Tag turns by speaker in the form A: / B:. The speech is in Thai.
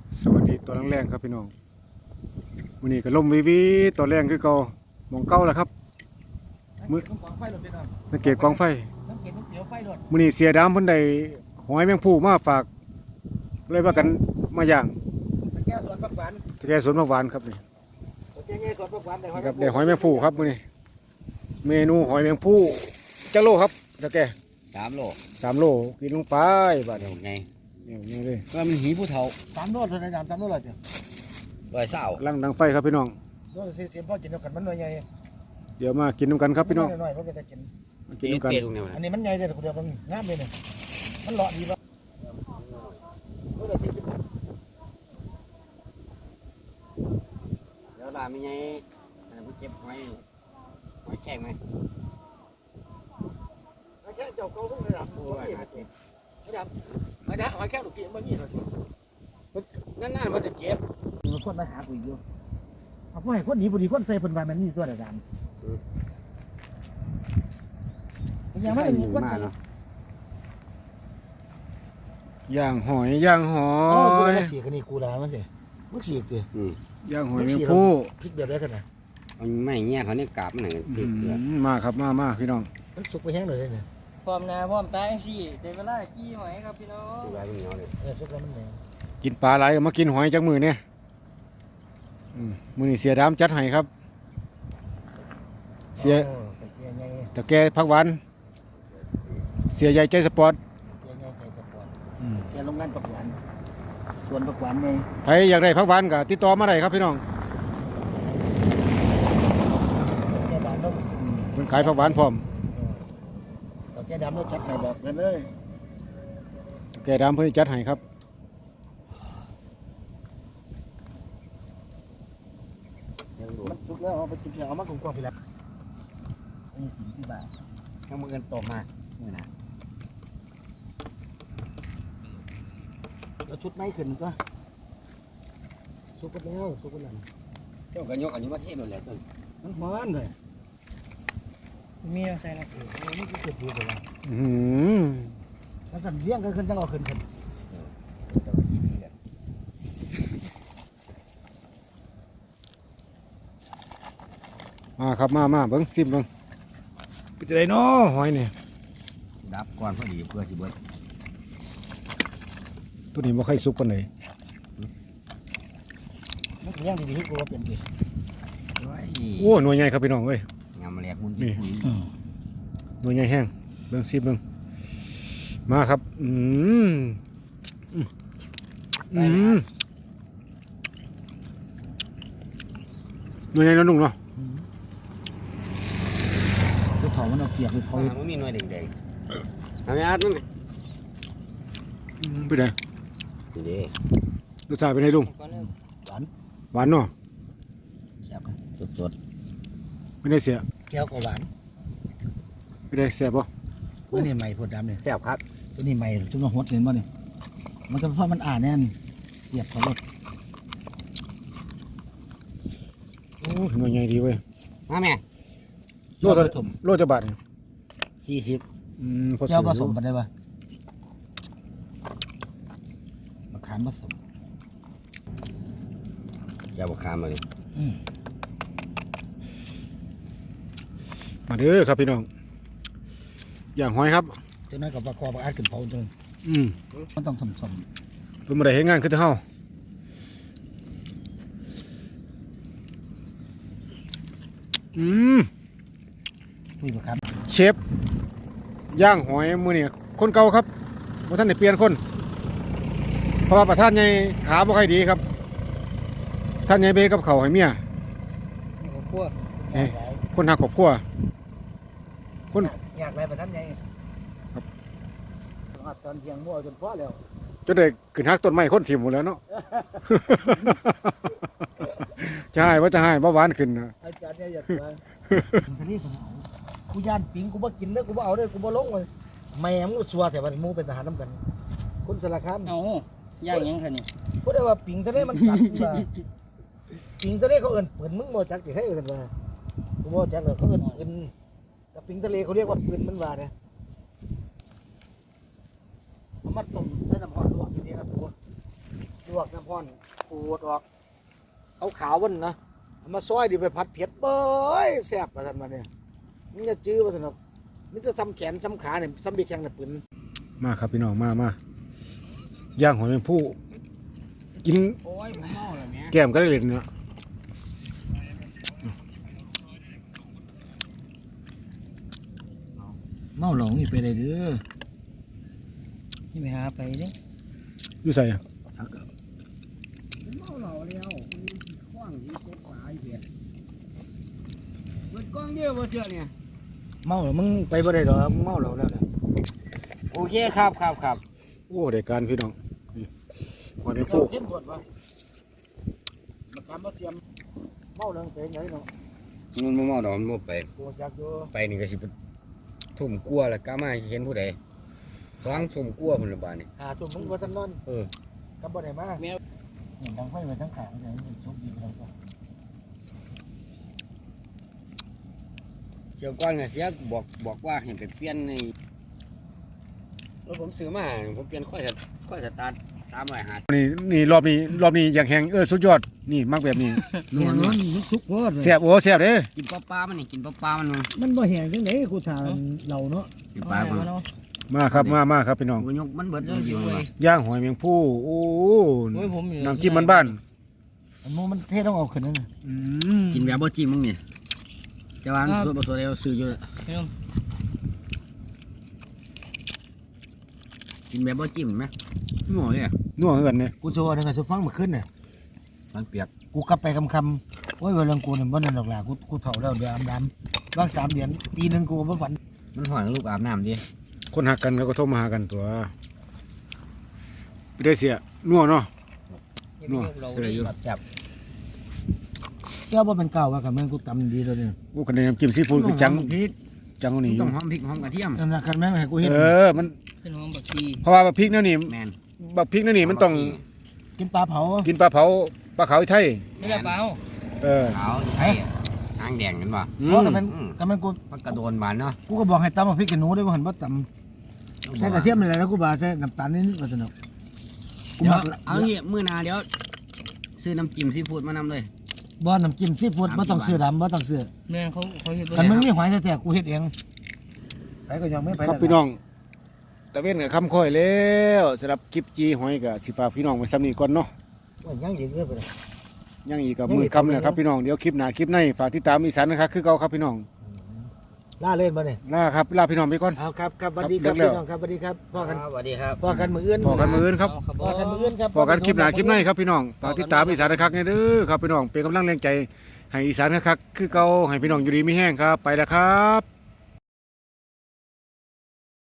A: สวัสดีตัวแรงๆครับพี่น้องวันนี้ก็ล่มวิตัวแรงคือเก่ามองเก่าแล้วครับมือสังเกตกองไฟวันนี้เสียดำเพิ่นได้หอยแมงภู่มาฝากเลยว่ากันมาย่าง
B: ตะแกสวนผักหวาน
A: ตะแกสวนผักหวานครับนี่
B: ตะแกสวนผักหวานได้
A: ครับได้หอยแมงภู่ครับวันนี้เมนูหอยแมงภู่จักโลครับตะแก
C: 3 โล
A: 3 โลกินลงไปบาด
C: เดี๋ยวไง
A: นี่เลย
C: ก็มันหีผู้เฒ่า
B: 3 โลเท่าไหร่3 โลเลยจ้ะ
C: 120
A: ลังดังไฟครับพี่น้อง
B: โล40พอกินแล้วกันมันหน่อยใหญ่
A: เดี๋ยวมากินน้ำกันครับพี่น้อง
B: หน่อยๆเพราะจะกิน
A: มากินน้ำกัน
C: เปียตรงนี้มัน
B: อันนี้มันใหญ่เลยคนเดียวมันงามเลยเนี่ยมันเลาะดีป่ะโลละ40
C: เดี๋ยวลามีไงผู้เก็บหอยแข็งไหม
B: แค่เจ้าเก่าเพิ่งได้รับไม่รับไม่ได้หอยแค่ลูกกี้มันนี่เลย
C: นั่นมันจะเก็บ
B: มีคนมาหากูอยู่เอาพวกให้คนหนีบุรีคนใส่เพิ่นว่ามันนี่ตัวดำยังไม่มีคนใส่
A: ย่างหอยย่างหอ
B: อ๋อกู
A: ย
B: มาสีกันนี่กูด่ามันสิมึงสีกู
A: ย่างหอยแมงภู่
B: พริกแบบได้ขนาด
C: มันไม่เงี้ยเขาเนี่ยกาบมันหนังติดเกลือ
A: มาครับมาพี่น้อง
B: มันสุกไปแห้งเลยเนี่ย
D: พร้อมหน้าพร้อมตาจังซี่ได้เวลากี้หอยครับพี่น้อง
C: ตัวเหนียวเลย
B: สุกแล้วมันแดง
A: กินปลาไหลก็มากินหอยจากมือเนี่ยมือนี่เสียดำจัดให้ครับ เสียตะแกพักหวันเสียใหญ่ใจสปอร์ต
B: แกโรงงานปักหวานส่วนปักหวานไง
A: ใครอยากได้พักหวันก็ติดต่อมาได้ครับพี่น้อง
B: แกดำแล้ว
A: เพิ่นขายพักหวานพร้อม
B: แกดำแล้วจัดให้แบบนั้นเลย
A: ตะแกดำเพิ่นจัดให้ครับ
B: มันสุกแล้วเอาไปกินเอามากกว่าพี่แล้วนี่40 บาท
C: ถ้ามือกันตกมาเมื่อนะ
B: แล้วชุดไม่ขึ้นก็สุกแล้วสุกแล้ว
C: เจ้าก็ยกอันนี้มาเทศหมดเลยต้น
B: มันฮ้อนเลย
D: มีเอาใส่น้ำผึ้ง
B: นี่คือเกิดดีกว่า แล้วสั่นเลี้ยงก็ขึ้นจังเอาขึ้น
C: เจ้าก็ขี้ดีกัน
A: มาครับมาเบิ่งซิมเบิ่งเป็นจังไดน้อหอยนี่
C: ดับก่อนพอดีเพื่อสิเบิด
A: ตัวนี้บ่ค่อยสุกปานใด
B: มันเลี้ยงดีๆให้กูว่าเป็นดี
A: โอ้หน่วยใหญ่ครับพี่น้องเอ้ย
C: งามแหลกมุน
A: หน่วยใหญ่แห้งเบิ่งซิมเบิ่งมาครับหน่วยใหญ่น้อยนุ่งเนาะ
B: กูถอมันเอาเกียบไปพอ
C: มันมีหน่วยแดงๆเอาไม่อาดมั้ย
A: เป็นไง
C: นี่เด้
A: รสชาติเป็นไงลุง
D: ก่อนเริ่ม
A: หวานเนาะ
B: แซ่บ
C: สด
A: ไม่ได้เสีย
B: แก้วก็หวาน
A: ไม่ได้แซ่บป่ะ
B: ตัวนี้ใหม่พดดำเนี่ย
C: ๆแซ่บครับ
B: ตัวนี้ใหม่จุ่มหดเห็นป่ะเนี่ยมันก็เพราะมันอ่านแน่นเสียบเขารถ
A: โอ้หน่วยใหญ่ดีเว้ย
C: มาแม่
A: โลจะโลจะบาทเนี่ย
C: 40
A: พอ
B: แก้วผส
A: สู
B: ม
A: ง
B: กันได้ป่ะมะขามผสม
C: เจ้าบ่คามมาเลย
A: มาเด้อครับพี่น้องอย่างหอยครับ
B: ตัวนั้นกับปลาคอปลาอาดขึ้นเผาจนมันต้องสม
A: เพิ่นบ่ได้เฮ็ดงานคือเฮา
B: คุยมะขาม
A: เชฟย่างหอยมื้อนี้คนเก่าครับบ่ทันได้เปลี่ยนคนเพราะว่าประธานใหญ่ขาบ่ค่อยดีครับท่านใหญ่เบกับเขาวให้เมีย
D: นี่ก็คั่ว
A: คนหักครอบครัวคน
B: อยากอะไรแบบนั้นไงตอนเที่ยงมั่วจนพอแล้ว
A: จนได้ขึ้นหักต้นไม้คนถิ่มหมดแล้วเนาะ จะให้ว่าจะให้บ่หวานขึ้นนะ
B: อาจารย์เนี่ยอยากมากูย่านปิงกูบ่กินเด้อกูบ่เอาเด้อกูบ่ลงเลยแม่มึงสัวแต่ว่าหมูเป็นทหารน้ำกันคนสารคาม
D: เอาย่างยังคะนี่
B: พูดได้ว่าปิงทะเลมันกัดว่าปิงทะเลเขาเอิ้นปืนมึงบ่จักสิให้กันว่ากูบ่จักเลยเขาเอิ้นปืนแต่ปิงทะเลเขาเรียกว่าปืนมันว่าเนี่ยเอามาต้มใส่น้ำร้อนลวกทีนี้ครับกูลวกน้ำพ่อนขูดออกขาวๆวันนะเอามาซอยดิไปผัดเผ็ดเบ้ยแซ่บประสันมาเนี่ยมันจะจื้อประสันหรอกมันจะซ้ำแขนซ้ำขาเนี่ยซ้ำบีแข้งเนี่ยปืน
A: มาครับพี่น้องมาย่างหอยแมงภู่กิน
C: โอ้ยผมเมาแล้วแม่
A: แก้มก็ได้เลยเนี่ย
B: เมาหลงนี่ไปเลยเด้อ
D: นี่ไปหาไปเด้
A: อยู่ใส่อะ
C: เมาเหล้าแล้วคว้างที่กบปลาไอ้เหี้ยเบิดกล้องเดียวบ่เชื่อเนี่ย
B: เมาหรอมึงไปบ่ได้หรอกมึงเมาหรอกแล้วเนี่ย
C: โอเคครับครับครับ
A: โอ้ได้การพี่น้องนี่หอยแมง
B: เจ้า
A: ภู่
B: เข้มข้นปะมาทำมาเสียมเมาเรื่องเป็นไงเนาะ
C: มันบ่เมาดอกมันบ่ไป
B: ตัวจักอยู่
C: ไปนี่ก็สิไปทุ่มกลัวแล้วกล้ามาเห็นผู้ใดสองทุ่มกลัวพุ่นละบาดนี่
B: หาตัวมึงว่าทันนอน
C: เออ
B: กับบ่ได้มาเห็นทางไฟไปทั้งขางเลยโชคดีไปแล้วก็
C: เกี่ยวก้อนก็เสียบอกว่าให้ไปเปลี่ยนในรถผมซื้อมาผมเปลี่ยนค่อยสตาร์ท350
A: นี่รอบนี้อย่างแหงสุดยอดนี่มักแบบนี้
B: นัวมันสุกโคตร
A: แซ่บโอ้แซ่บเด้
C: กินปลามันนี่กินปลามัน
B: มันบ่แห้งจังได๋กูถามเราเนาะ
C: กินปลามัน
A: มาครับมาครับพี่น้อง
C: กูยกมันเบิดอยู่เลย
A: ย่างหอยแมงภู่โอ้
D: โอ้ยผมอยู่
A: น้ำจิ้มบ้าน
B: อันนู้นมันเทต้องเอาขึ้นนั่นน่ะ
A: ๆอืม
C: กินแบบบ่จิ้มมึงนี่จะวางส่วนผสมแล้วซื้ออยู่กินแบบบ่จิ้มไหมงอเลย
A: นัวเหือนเนี่ย
B: กูโชว์นึงก็สิฟังมาขึ้นน่ะ
C: มันเปียก
B: กูกลับไปคำโอ้ยเวลากูนี่บ่นั่นดอกล่ะกูเฒ่าแล้วเดือนดำบาง3เดือนปีนึงกูบ่ฝัน
C: มันหอยลูกอาบน้ำดิ
A: คนหักกันก็โทรมาหากันตัวไปได้เสียนัวเนาะ นัว
D: เรา
C: ก็เลยอยู่จับ
B: แก้วบ่เป็นเก่าว่ากับมันกูตำดีแล้วเนี่ย
A: โอ้คะแนนน้ำจิ้มซีฟู้ดคือจัง
C: พริก
A: จังกว่านี้อ
C: ต้
A: ยู่
C: องหอมพริกหอมกระเทียม
B: นั่นน่ะคันแม่งให้กูเฮ็ด
A: มัน
D: เป็นห้องบักชี
A: เพราะว่าบักพริกเนี่ยนี่
C: แมน
A: บักพริกเนี่ยนี่มันต้อง
B: กินปลาเผา
A: กินปลาเผาปลาขาวไทย
D: ไม่ได้เปล่า
C: ขาวไอ้หางแดงกันป่ะ
B: เพราะกับมันกู
C: มันกระโดนบานเนาะ
B: กูก็บอกให้ตำบักพริกกับหนูได้บ่หันบ่ตำใส่กระเทียมอะไรแล้วกูบ่าใส่น้ำตาลนิดๆก็สนุกกู
C: เดี๋ยว
B: มัก
C: เอางี้มื้อหน้าเดี๋ยวซื้อน้ำจิ้มซีฟู้ดมานำเลย
B: บ่น้ำจิ้มซีฟู้ดบ่ต้องซื้อดำบ่ต้องซื้อ
D: แม่เขาเห็น
B: คันมึงมีหอยแท้ๆกูเฮ็ดเองไปก็ยังไม่ไป
A: ครับพี่น้องตะเวนกับคำค่อยแล้วสำหรับคลิปจีหอยกับสิฝากพี่น้องไว้ซ้ำนี้ก่อนเนาะ
B: ยังยืนเรื่อยไปเลย
A: ยังอีกกับมือคำเลยครับพี่น้องเดี๋ยวคลิปหน้าคลิปในฝากติดตามอีสานนะครับคือเก่าครับพี่น้อง
B: ล่าเล่นบ่เนี่ย
A: ลาครับลาพี่น้องไปก่อน
B: เอาครับครับสวัสดีครับ
A: ครับ
B: พี่น้องครับสวัสดีครับพ่อกัน
C: สวัสดีครับ
B: พ่อกันมื้ออื่น
A: พอกันมืออื่นครับ
B: พ่อกันมื้ออื่นครับ
A: พอกันคลิปหน้าคลิปในครับพี่น้องฝากติดตามอีสานนะครับเนี่ยเด้อครับพี่น้องเป็นกำลังแรงใจให้อีสานนะครับคือเก่าให้พี่น้องอยู่ดีมีแห้งครับไปแล้วครับ